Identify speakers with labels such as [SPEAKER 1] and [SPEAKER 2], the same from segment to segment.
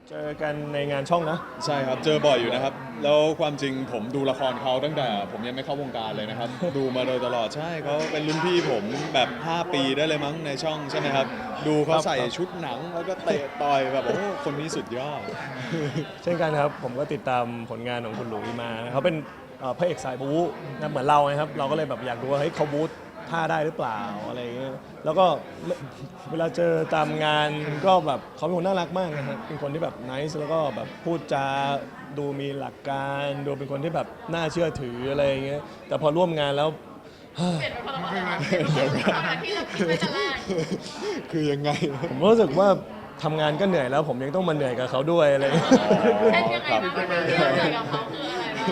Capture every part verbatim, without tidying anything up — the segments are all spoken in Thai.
[SPEAKER 1] เจอกันในงานช่องนะ
[SPEAKER 2] ใช่ครับเจอบ่อยอยู่นะครับแล้วความจริงผมดูละครเขาตั้งแต่ผมยังไม่เข้าวงการเลยนะครับ ดูมาโดยตลอดใช่เขาเป็นรุ่นพี่ผมแบบห้าปีได้เลยมั้งในช่องใช่ไหมครับดูเขาใส่ชุดหนังแล้วก็เตะต่อยแบบโอ้คนนี้สุดยอด
[SPEAKER 1] เช่นกันครับผมก็ติดตามผลงานของคุณหลุยมาเขาเป็นเอ่อพระเอกสายบู๊นะเหมือนเรานะครับเราก็เลยแบบอยากดูว่าเฮ้ยเขาบู๊ท่าได้หรือเปล่าอะไรอย่างเงี้ยแล้วก็เวลาเจอตามงานก็แบบเขาเป็นคนน่ารักมากนะครับเป็นคนที่แบบนิสแล้วก็แบบพูดจาดูมีหลักการดูเป็นคนที่แบบน่าเชื่อถืออะไรอย่างเงี้ยแต่พอร่วมงานแล้ว
[SPEAKER 3] เปลี่ยนไปคนละคนละเดี๋ยวก่อนที่เราคิดไว้แต่แรก
[SPEAKER 2] คือยังไง
[SPEAKER 1] ผมรู้สึกว่าทำงานก็เหนื่อยแล้วผมยังต้องมาเหนื่อยกับเขาด้วยอะไรอย่างเงี้ย
[SPEAKER 3] เช่นยังไงบ้างที่เราเหนื่อยกับเขาคืออะไรบ้าง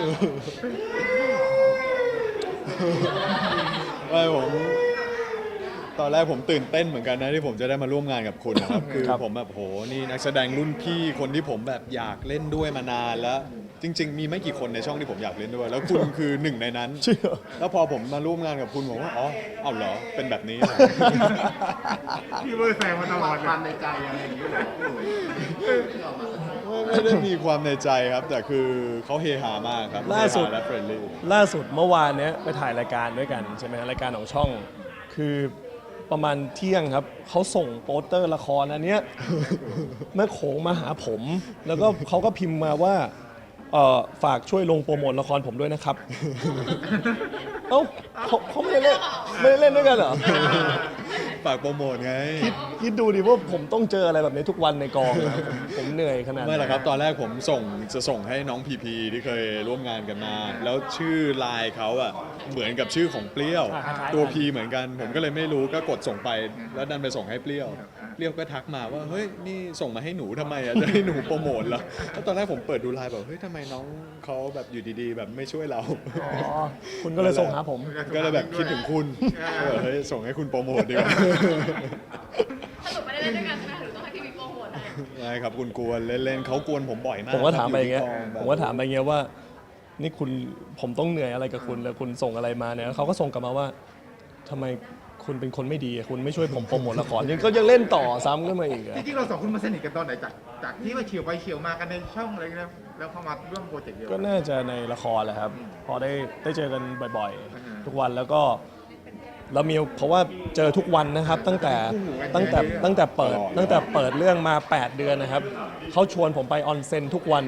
[SPEAKER 2] ไม่ผมตอนแรกผมตื่นเต้นเหมือนกันนะที่ผมจะได้มาร่วมงานกับคุณนะครับ คือ
[SPEAKER 1] ครับ
[SPEAKER 2] ผมแบบโหนี่นักแสดงรุ่นพี่คนที่ผมแบบอยากเล่นด้วยมานานแล้ว จริง ๆ มีไม่กี่คนในช่องที่ผมอยากเล่นด้วย แล้วคุณคือหนึ่งในนั้น
[SPEAKER 1] เชื่อ
[SPEAKER 2] แล้วพอผมมาร่วมงานกับคุณผมว่าอ๋อเอาเหรอเป็นแบบนี้เหรอ
[SPEAKER 4] พี่เบอร์แซงมาตลอด
[SPEAKER 5] ความในใจอะไรอย่างนี้เหรอพี่หลุย
[SPEAKER 2] ไม่ไม่ได้มีความในใจครับ แต่คือเขาเฮฮามากครับ
[SPEAKER 1] ล่าสุด
[SPEAKER 2] เฮฮและเฟรนลี่
[SPEAKER 1] ล่าสุดเมื่อวานเนี้ยไปถ่ายรายการด้วยกันใช่ไหมฮะรายการของช่อง คือประมาณเที่ยงครับเขาส่งโปสเตอร์ละครอันเนี้ย แม่โขงมาหาผม แล้วก็เขาก็พิมพ์มาว่าเอ่อฝากช่วยลงโปรโมทละครผมด้วยนะครับ เอ้าเขาเขาไม่ได้เล่นไม่ได้เล่นด้วยกันเหรอ
[SPEAKER 2] ฝากโปรโมทไง
[SPEAKER 1] คิดดูดิว่าผมต้องเจออะไรแบบนี้ทุกวันในกองนะผมผมเหนื่อยขนาดไหน
[SPEAKER 2] ไม่หรอกครับ ตอนแรกผมส่งจะส่งให้น้องพีพีที่เคยร่วมงานกันมา แล้วชื่อไลน์เขาอะเหมือนกับชื่อของเปรี้ยว ตัวพีเหมือนกัน ผมก็เลยไม่รู้ก็กดส่งไป แล้วดันไปส่งให้เปรี้ยว เปรี้ยวก็ทักมาว่าเฮ้ยนี่ส่งมาให้หนูทำไมอะจะให้หนูโปรโมทเหรอแล้วตอนแรกผมเปิดดูไลน์แบบเฮ้ยทำไมน้องเขาแบบอยู่ดีๆ แบบไม่ช่วยเรา
[SPEAKER 1] อ๋อคุณก็เลยส่งหาผม
[SPEAKER 2] ก็เลยแบบคิดถึงคุณเออเฮ้ยส่งให้คุณโปรโมทดีกว่า
[SPEAKER 3] สรุปไม่ได้เล่นด้วยกันใช่ไหมหรือต้องให้พี่บิ๊กโปรโมทให้
[SPEAKER 2] ใช่ครับคุณกวนเล่นๆเขากวนผมบ่อยมาก
[SPEAKER 1] ผมก็ถามไปอย่างเงี้ย
[SPEAKER 2] ที่กแบบ
[SPEAKER 1] ผมก็ถามไปอย่างเงี้ยว่า นี่คุณผมต้องเหนื่อยอะไรกับคุณแล้วคุณส่งอะไรมาเนี่ยเขาก็ส่งกลับมาว่าทำไมคุณเป็นคนไม่ดีอะคุณไม่ช่วยผมโปรโมทละครยังก็ยังเล่นต่อซ้ำขึ้นมาอีกอะ
[SPEAKER 4] จริงๆเราสองคนมาสนิทกันตอนไหนจากจากที่ว่าเฉียวไปเฉียวมากันในช่องอะไรเงี้ยแล้วเข้ามาร่วมโปรเจกต์เดียว
[SPEAKER 1] ก็น่าจะในละครแหละครับ พอได้ได้เจอกันบ่อยๆ ทุกวันแล้วก็เรามีเพราะว่าเจอทุกวันนะครับ ตั้งแต่ตั้งแต่ตั้งแต่เปิดตั้งแต่เปิดเรื่องมาแปดเดือนนะครับเขาชวนผมไปออนเซ็นทุกวัน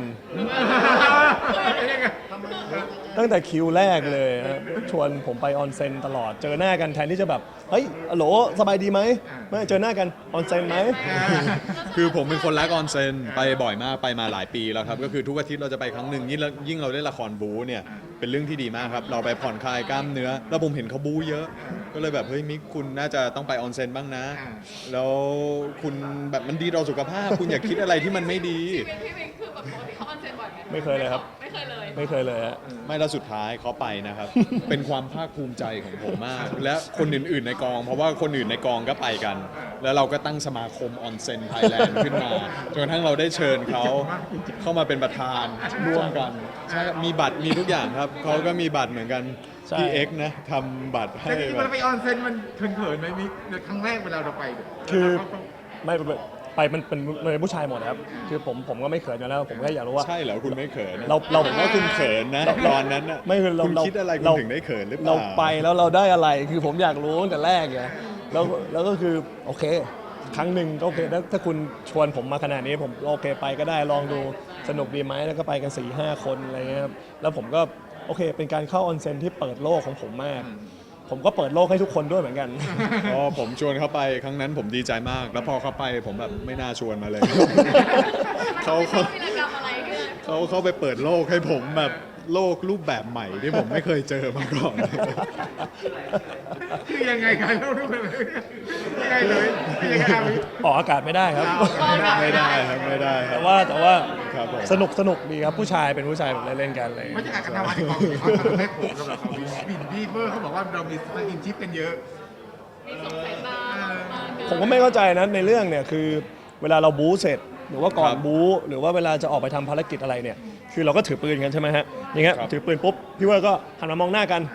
[SPEAKER 1] ตั้งแต่คิวแรกเลยนะครับชวนผมไปออนเซ็นตลอด เจอหน้ากันแทนที่จะแบบ เฮ้ยอโหลสบายดีไหมไม่เจอหน้ากันออนเซ็นไหม
[SPEAKER 2] คือผมเป็นคนรักออนเซนไปบ่อยมากไปมาหลายปีแล้วครับก็คือทุกอาทิตย์เราจะไปครั้งหนึ่งยิ่งเรายิ่งเราได้ละครบู๊เนี่ยเป็นเรื่องที่ดีมากครับเราไปผ่อนคลายกล้ามเนื้อ แล้วผมเห็นเขาบู๊เยอะ ก็เลยแบบเฮ้ยมิกคุณน่าจะต้องไปออนเซนบ้างนะ แล้วคุณแบบมันดีต่อสุขภาพ คุณอย่าคิดอะไรที่มันไม่ดี
[SPEAKER 3] พี่บิ๊กคือแบบปกติเขาออนเซ็นบ่อยไหม
[SPEAKER 1] ไม่เคยเลยครับ
[SPEAKER 3] ไม่เคยเลย
[SPEAKER 1] ไม่เคยเลยฮะ
[SPEAKER 2] ไม่แล้วสุดท้ายเขาไปนะครับ เป็นความภาคภูมิใจของผมมาก และคนอื่นๆในกอง เพราะว่าคนอื่นในกองก็ไปกัน แล้วเราก็ตั้งสมาคมออนเซนไทยแลนด์ขึ้นมาจนกระทั่งเราได้เชิญเขาเข้ามาเป็นประธานร่วมกันใช่ครับมีบัตรมีทุกอย่างครับเขาก็มีบัตรเหมือนกัน
[SPEAKER 1] ใช่
[SPEAKER 2] พี่เอ็กซ์นะทำบัตรให้
[SPEAKER 4] แต่จริงๆ
[SPEAKER 2] แบ
[SPEAKER 4] เว
[SPEAKER 2] บ
[SPEAKER 4] ลาไปออนเซ็นมันเขินๆไหมมิกในครั้งแรกเวลาเราไปเนี่ย
[SPEAKER 1] คือไม่ไปไปมันเป็นมันเป็นผู้ชายหมดนะครับ คือผมผมก็ไม่เขินอยู่แล้ว ผมแค่อยากรู้ว่า
[SPEAKER 2] ใช่เหรอคุณไม่เขิน
[SPEAKER 1] เราเรา
[SPEAKER 2] ผมว่าคุณเขินนะตอนนั้นน่ะ
[SPEAKER 1] ไม่คือเรา
[SPEAKER 2] คุณ
[SPEAKER 1] เรา
[SPEAKER 2] คิดอะไรคุณ
[SPEAKER 1] เรา
[SPEAKER 2] ถึงได้เขินหรือเปล่า
[SPEAKER 1] เราไปแล้วเราได้อะไร คือผมอยากรู้ตั้งแต่แรกไงแล้วแล้วก็คือโอเค ครั้งหนึ่งก็โอเคถ้าถ้าคุณชวนผมมาขนาดนี้ผมโอเคไปก็ได้ลองดูสนุกดีไหมแล้วก็ไปกัน4ี่ห้าคนอะไรเงี้ยครับแล้วผมก็โอเค เป็นการเข้าออนเซ็นที่เปิดโลกของผมมาก ผมก็เปิดโลกให้ทุกคนด้วยเหมือนกัน
[SPEAKER 2] พอผมชวนเขาไปครั้งนั้นผมดีใจมาก แล้วพอเขาไปผมแบบไม่น่าชวนมาเลย เขา
[SPEAKER 3] เขา
[SPEAKER 2] เขา
[SPEAKER 3] มีกิจกรรมอะไรขึ้น
[SPEAKER 2] เขาเขาไปเปิดโลกให้ผมแบบโลกรูปแบบใหม่ที่ผมไม่เคยเจอมาก่อน
[SPEAKER 4] คือยังไงกันเราดูเลยยังไงเลยยังไงครับมิก
[SPEAKER 1] ออกอากาศไม่ได้ครับ
[SPEAKER 2] ไม่ได้ครับไม่ได้ครั
[SPEAKER 1] แต่
[SPEAKER 2] บ
[SPEAKER 1] ว่าแต่ว่า
[SPEAKER 2] ครับผม
[SPEAKER 1] สนุกสนุกดีครับผู้ชายเป็นผู้ชายแบบเล่นๆกันอะไร
[SPEAKER 4] ไม่ใช่การกระทำอะไรของเขาทำให้ผมกับเราบินพี่เบอร์เขาบอกว่าเรามีสกินชิปกันเยอะ
[SPEAKER 3] มีสงสัยตามาเกิน
[SPEAKER 1] ผมก็ไม่เข้าใจนะในเรื่องเนี่ยคือเวลาเราบู๊เสร็จ หรือว่าก่อน
[SPEAKER 2] ครับ
[SPEAKER 1] บู๊หรือว่าเวลาจะออกไปทำภารกิจอะไรเนี่ยคือเราก็ถือปืนกันใช่ไหมฮะอย่างเงี้ย
[SPEAKER 2] ครับ
[SPEAKER 1] ถือปืนปุ๊บพี่เว่าก็หันมามองหน้ากัน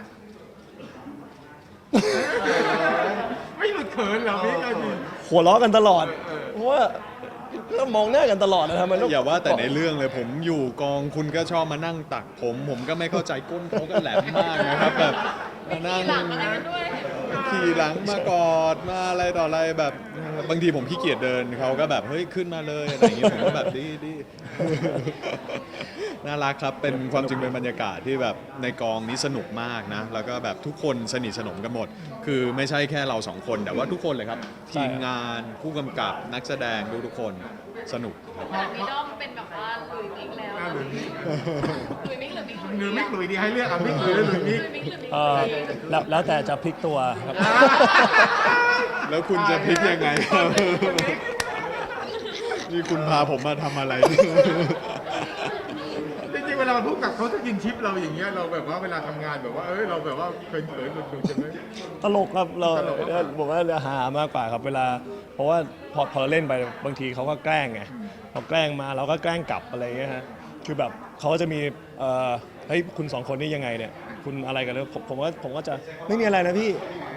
[SPEAKER 4] ไม่หลุดเขินเหรอมิกเอาจริง
[SPEAKER 1] หัวเราะกันตลอดเพราะว่าก็มองหน้ากันตลอดนะทำไมต้อง
[SPEAKER 2] อย่าว่าแต่ในเรื่องเลยผมอยู่กองคุณก็ชอบมานั่งตักผม ผมก็ไม่เข้าใจก้นเขาก็แหลมมากนะครับแบบมานั่ง
[SPEAKER 3] หลังอะไรกันด้วย
[SPEAKER 2] ขี่หลังมากอดมาอะไรต่ออะไรแบบบางทีผมขี้เกียจเดินเขาก็แบบเฮ้ยขึ้นมาเลยอะไรอย่างเงี้ยผมก็แบบดีดี น่ารักครับเป็นความจริงเป็นบรรยากาศที่แบบในกองนี้สนุกมากนะแล้วก็แบบทุกคนสนิทสนมกันหมด คือไม่ใช่แค่เราสองคนแต่ว่าทุกคนเลยครับทีมงานผู้กำกับนักแสดงทุกทุกๆคนสนุกครับ
[SPEAKER 3] ขนาดพี่ด้อมเป็นแบบว่าหลุยมิกแล้ว
[SPEAKER 4] อ่าหลุยมิก
[SPEAKER 3] หลุยมิกหรือมิก
[SPEAKER 4] หรือมิกหลุยดีให้เลือกอ่ะมิกหลุยหรือหลุยมิก
[SPEAKER 3] หลุยมิกหรือมิก
[SPEAKER 1] เออแล้วแล้วแต่จะพลิกตัวครับ
[SPEAKER 2] แล้วคุณจะพลิกยังไงครับ นี่คุณพาผมมาทำอะไร
[SPEAKER 4] จริงๆเวลาเราพูดกับเขาจะกินชิปเราอย่างเงี้ยเราแบบว่าเวลาทำงานแบบว่าเอ้ยเราแบบว่าเขินเขินๆหลุดๆใช่ไหม
[SPEAKER 1] ตลกครับเรา
[SPEAKER 4] ตลกมาก
[SPEAKER 1] ผมว่าเรือหามากกว่าครับเวลา เพราะว่าพอพอเราเล่นไปบางทีเขาก็แกล้งไงเขาแกล้งมาเราก็แกล้งกลับอะไรเงี้ยฮะคือแบบเขาก็จะมีเอ่อเฮ้ยคุณสองคนนี่ยังไงเนี่ยคุณอะไรกันเลยผมผมว่าผมก็จะไม่มีอะไรนะพี่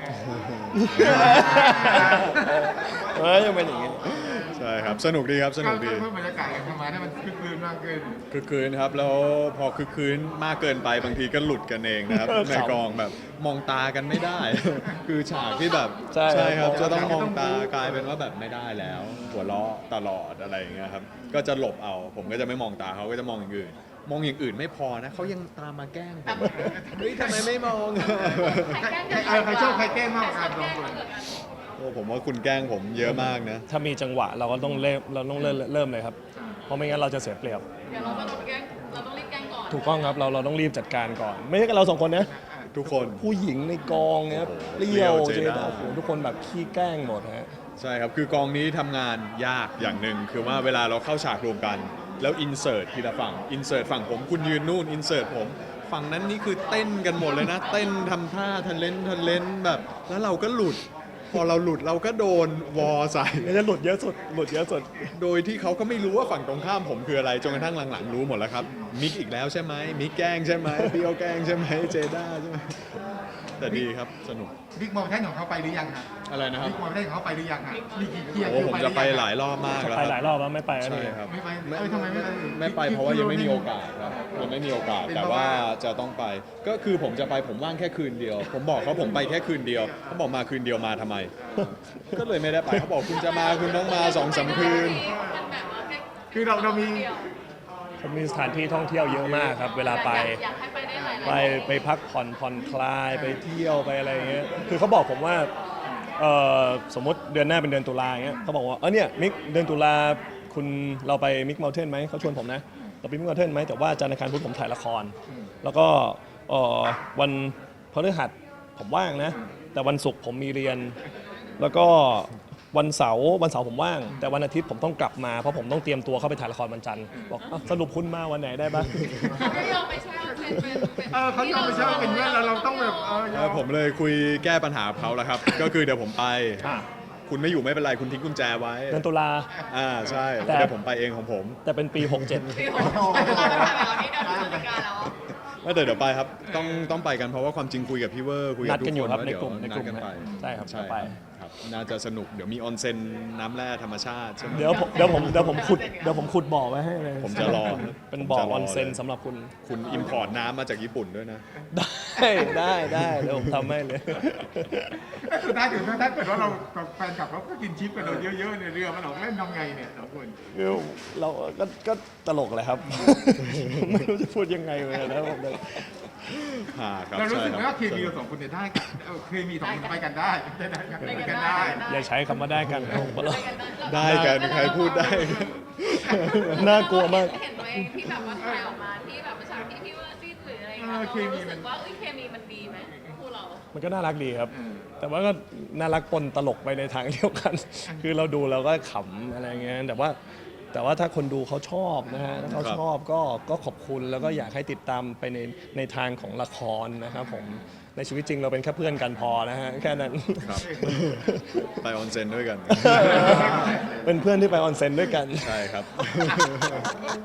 [SPEAKER 1] เออยังเป็นอย่างงี้
[SPEAKER 2] ใช่ครับสนุกดีครับสนุกดี
[SPEAKER 4] เพิ่มบรรยากาศการทำงานให้มันคึกคืนมากขึ้น
[SPEAKER 2] คือคืนครับแล้วพอคือคืนมากเกินไปบางทีก็หลุดกันเองนะครับ
[SPEAKER 1] เออ
[SPEAKER 2] ในกองแบบมองตากันไม่ได้ คือฉากที่แบบ
[SPEAKER 1] ใช่ครับ
[SPEAKER 2] ครับจะต้องมองตากลายเป็นว่าแบบไม่ได้แล้ว หัวเราะตลอดอะไรอย่างเงี้ยครับก็จะหลบเอา ผมก็จะไม่มองตาเขาก็จะมองอย่างอื่น มองอย่างอื่นไม่พอนะเขายังตามมาแกล้งผมเฮ้ยทำไมไม่มอง
[SPEAKER 3] ใครแกล้ง
[SPEAKER 4] ใครเออใครชอบใครแกล้งมากกว่ากันสองคน
[SPEAKER 2] โอ้ผมว่าคุณแกล้งผมเยอะมากนะ
[SPEAKER 1] ถ้ามีจังหวะเราก็ต้องเริ่มเราต้องเริ่มเริ่มเลยครับ เพราะไม่งั้นเราจะเสียเปรียบ
[SPEAKER 3] เดี๋ยวเราก็ต้องแกล้งเราต้องรีบแกล้งก่อน
[SPEAKER 1] ถูกต้องครับเราเราต้องรีบจัดการก่อน ไม่ใช่แค่เราสองคนนะ
[SPEAKER 2] ทุกคน
[SPEAKER 1] ผู้หญิงในกองเนี่ย
[SPEAKER 2] โอ้โห
[SPEAKER 1] เปรี้ยว
[SPEAKER 2] เปรี้
[SPEAKER 1] เจ
[SPEAKER 2] ยวเจด้า
[SPEAKER 1] ด้าโอ้โหทุกคนแบบขี้แกล้งหมดฮะ
[SPEAKER 2] ใช่ครับ คือกองนี้ทำงานยากอย่างหนึ่งคือว่าเวลาเราเข้าฉากรวมกัน แล้วอินเสิร์ตทีละฝั่งอินเสิร์ตฝั่งผมคุณยืนนู่นอินเสิร์ตผม ฝั่งนั้นนี่คือเต้นกันหมดเลยนะ เต้นทำท่าทันเลนทันเลนแบบ แล้วเราก็หลุด พอเราหลุดเราก็โดนวอใส่
[SPEAKER 1] นี่จะหลุดเยอะสุดหลุดเยอะสุด
[SPEAKER 2] โดยที่เขาก็ไม่รู้ว่าฝั่งตรงข้ามผมคืออะไรจนกระทั่งหลังๆรู้หมดแล้วครับมิกอีกแล้วใช่ไหมมิกแกล้งใช่ไหมเปียวแกล้งใช่ไหมเจด้าใช่ไหมแต่ดีครับสนุก
[SPEAKER 4] บิ๊กมอลแท่นของเขาไปหรือยังฮะ
[SPEAKER 2] อะไรนะครับ
[SPEAKER 4] บิ๊กมอลแท่นของเขาไปหรือยังฮะมีกี่เกียร์
[SPEAKER 2] โอ้
[SPEAKER 4] คิว
[SPEAKER 2] ผม
[SPEAKER 4] ไป
[SPEAKER 2] จะไป
[SPEAKER 4] รือยัง
[SPEAKER 2] หลายรอบมากแล้ว
[SPEAKER 1] ไป
[SPEAKER 2] ค
[SPEAKER 1] หลา
[SPEAKER 2] รับ
[SPEAKER 1] ยรอบแล้วไม่ไปแล้ว
[SPEAKER 2] ใช่
[SPEAKER 1] นี่
[SPEAKER 2] ครับ
[SPEAKER 4] ไม่ไปเอ้ยทำไมไม่ไป
[SPEAKER 2] ไม่ไปเพราะว่ายังไม่มีโอกาสครับยังไม่มีโอกาสแต่ว่าจะต้องไป ก็คือผมจะไปผมว่างแค่คืนเดียว ผมบอกเขาผมไปแค่คืนเดียวเขาบอกมาคืนเดียวมาทำไม ก็เลยไม่ได้ไปเขาบอกคุณจะมาคุณต้องมาสองสามคืน
[SPEAKER 3] มันแบบว่าแค่
[SPEAKER 4] คือเราเรามี
[SPEAKER 3] เดียว
[SPEAKER 1] ผมมีสถานที่ท่องเที่ยวเยอะมากครับ เวลาไป
[SPEAKER 3] อยากอยากให้ไปได้หลายๆ
[SPEAKER 1] ไปไปพักผ่อนผ่อนคลายไปเที่ยวไปอะไรอย่างเงี้ย คือเขาบอกผมว่าเอ่อสมมติเดือนหน้าเป็นเดือนตุลาอย่างเงี้ยเขาบอกว่าเออเนี่ยมิกเดือนตุลาคุณเราไปมิกเมลเทนไหมเขาชวนผมนะเราไปมิกเมลเทนไหมแต่ว่าจันทร์อังคารพุธผมถ่ายละคร แล้วก็เอ่อวันพฤหัสผมว่างนะ แต่วันศุกร์ผมมีเรียน แล้วก็วันเสาร์วันเสาร์ผมว่าง แต่วันอาทิตย์ผมต้องกลับมาเพราะผมต้องเตรียมตัวเข้าไปถ่ายละครวันจันทร์บอกอ้าวสรุปคุณมาวันไหนได้บ้าง
[SPEAKER 3] เขาไม่ยอมไปแช่เป็นเป็นเป็น
[SPEAKER 4] เออเขายอมไปเช่าเป็นเพื่อนเราเราต้องแบบเออยอ
[SPEAKER 2] แล้
[SPEAKER 4] ม
[SPEAKER 2] วผมเลยคุยแก้ปัญหากับเขาแล้วครับ ก็คือเดี๋ยวผมไป
[SPEAKER 1] อ่ะ
[SPEAKER 2] คุณไม่อยู่ไม่เป็นไรคุณทิ้งกุญแจไว้
[SPEAKER 1] เดือนตุลา
[SPEAKER 2] อ่าใช่
[SPEAKER 1] แต่
[SPEAKER 2] เดี๋ยวผมไปเองของผม
[SPEAKER 1] แต่เป็นปี หกเจ็ด
[SPEAKER 3] ปีหกเราจะถ่ายแบบนี้เดือนพฤศจิกาแล้ว
[SPEAKER 2] ไม่แต่เดี๋ยวไปครับต้องต้องไปกันเพราะว่าความจริงคุยกับพี่เวอร์คุย
[SPEAKER 1] นั
[SPEAKER 2] กับ
[SPEAKER 1] ด
[SPEAKER 2] ทุก
[SPEAKER 1] กันอยู่
[SPEAKER 2] คน
[SPEAKER 1] ครับ
[SPEAKER 2] ว่า
[SPEAKER 1] ใน
[SPEAKER 2] เดี๋ยว
[SPEAKER 1] กลุ่มใน
[SPEAKER 2] นั
[SPEAKER 1] ก
[SPEAKER 2] ด
[SPEAKER 1] ลุ่ม
[SPEAKER 2] กัน
[SPEAKER 1] นะ
[SPEAKER 2] ไป
[SPEAKER 1] ใช่ครับ
[SPEAKER 2] ใช่
[SPEAKER 1] ไป
[SPEAKER 2] ครับน่าจะสนุกเดี๋ยวมีออนเซ็นน้ำแร่ธรรมชาติใช่ไหม
[SPEAKER 1] เดี๋ยวผมเดี๋ยวผมเดี๋ยวผมขุดเดี๋ยวผมขุดบ่อไว้ให้เลย
[SPEAKER 2] ผมจะรอ
[SPEAKER 1] เป็นบ่อ
[SPEAKER 2] ผมจะรอ
[SPEAKER 1] ออนเซ็น
[SPEAKER 2] เลย
[SPEAKER 1] สำหรับคุณ
[SPEAKER 2] คุณอิมพอร์ตน้ำมาจากญี่ปุ่นด้วยนะ
[SPEAKER 1] ได้ได้ได้เดี๋ยวผมทำให้เลย
[SPEAKER 4] สุดท้ายถึงถ้าเกิดว่าเรากับแฟนคลับเขาก็กินชิปกันเราเยอะๆในเรือมันออกเล่นทำไงเนี่ยสองคน
[SPEAKER 1] คือเราก็ก็ตลกแหละครับ ไม่รู้จะพูดยังไงเลยนะผมเลย
[SPEAKER 2] ฮ่าครับ
[SPEAKER 4] เรารู้สึกไหม
[SPEAKER 2] ใช่
[SPEAKER 4] ว่าเค
[SPEAKER 2] รับ
[SPEAKER 4] มีเราสองคนเนี่ยได้กันเออเคมีสองคนไปกันได้ได้ได้กันไปกันได้
[SPEAKER 1] อย่าใช้คำว่าได้กันครับผมว่า
[SPEAKER 2] ได้กันใครพูดได้
[SPEAKER 1] น่ากลัวมาก
[SPEAKER 3] เห็นตัวเองที่แบบว่าถ่ายออกมาที่แบบฉากที่พี่ว่าจิ้นหรืออะไรอย่างเงี้ยเรารู้สึกว่าเอ้ยเคมีมันดีไหมคู่เรา
[SPEAKER 1] มันก็น่ารักดีครับ แต่ว่าก็น่ารักปนตลกไปในทางเดียวกัน คือเราดูเราก็ขำอะไรเงี้ย แต่ว่าแต่ว่าถ้าคนดูเขาชอบนะฮะถ้าเขา
[SPEAKER 2] ครับ
[SPEAKER 1] ชอบก็ก็ขอบคุณแล้วก็อยากให้ติดตามไปในในทางของละครนะครับผม ในชีวิตจริงเราเป็นแค่เพื่อนกันพอนะฮะแค่นั้น
[SPEAKER 2] ครับไปออนเซ็นด้วยกัน
[SPEAKER 1] เป็นเพื่อนที่ไปออนเซ็นด้วยกัน
[SPEAKER 2] ใช่ครับ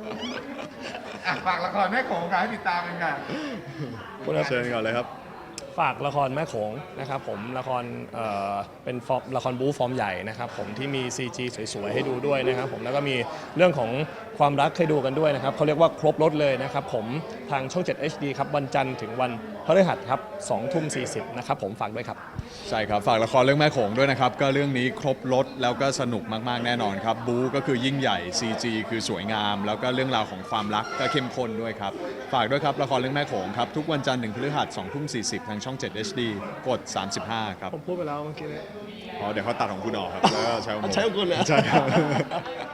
[SPEAKER 4] อ่ะฝากละครแม่โขงกันให้ติดตามกันค่ะ
[SPEAKER 2] เชิญก่อนเลยครับ
[SPEAKER 1] ฝากละครแม่โขงนะครับผมละครเอ่อเป็นฟอร์มละครบู๊ฟอร์มใหญ่นะครับผมที่มี ซี จี สวยๆให้ดูด้วยนะครับผมแล้วก็มีเรื่องของความรักให้ดูกันด้วยนะครับเขาเรียกว่าครบรถเลยนะครับผมทางช่อง เจ็ด เอช ดี ครับวันจันทร์ถึงวันพฤหัสครับสองทุ่มสี่สิบนะครับผมฝากด้วยครับ
[SPEAKER 2] ใช่ครับ ฝากละครเรื่องแม่โขงด้วยนะครับ ก็เรื่องนี้ครบรถแล้วก็สนุกมากๆแน่นอนครับบู๊ก็คือยิ่งใหญ่ ซี จี คือสวยงาม แล้วก็เรื่องราวของความรักก็เข้มข้นด้วยครับ ฝากด้วยครับละครเรื่องแม่โขงครับทุกวันจันทร์ถึงพฤหัสสองทุ่มสี่สิบทางช่อง เจ็ด เอช ดี กดสามสิบห้าครับ
[SPEAKER 1] ผมพูดไปแล้วเมื่อกี้
[SPEAKER 2] อ๋อเดี๋ยวเขาตัดของคุณออกครับแล้วก็ใช้ของผม
[SPEAKER 1] ใช้ของคุณเหรอ
[SPEAKER 2] ใช่ครับ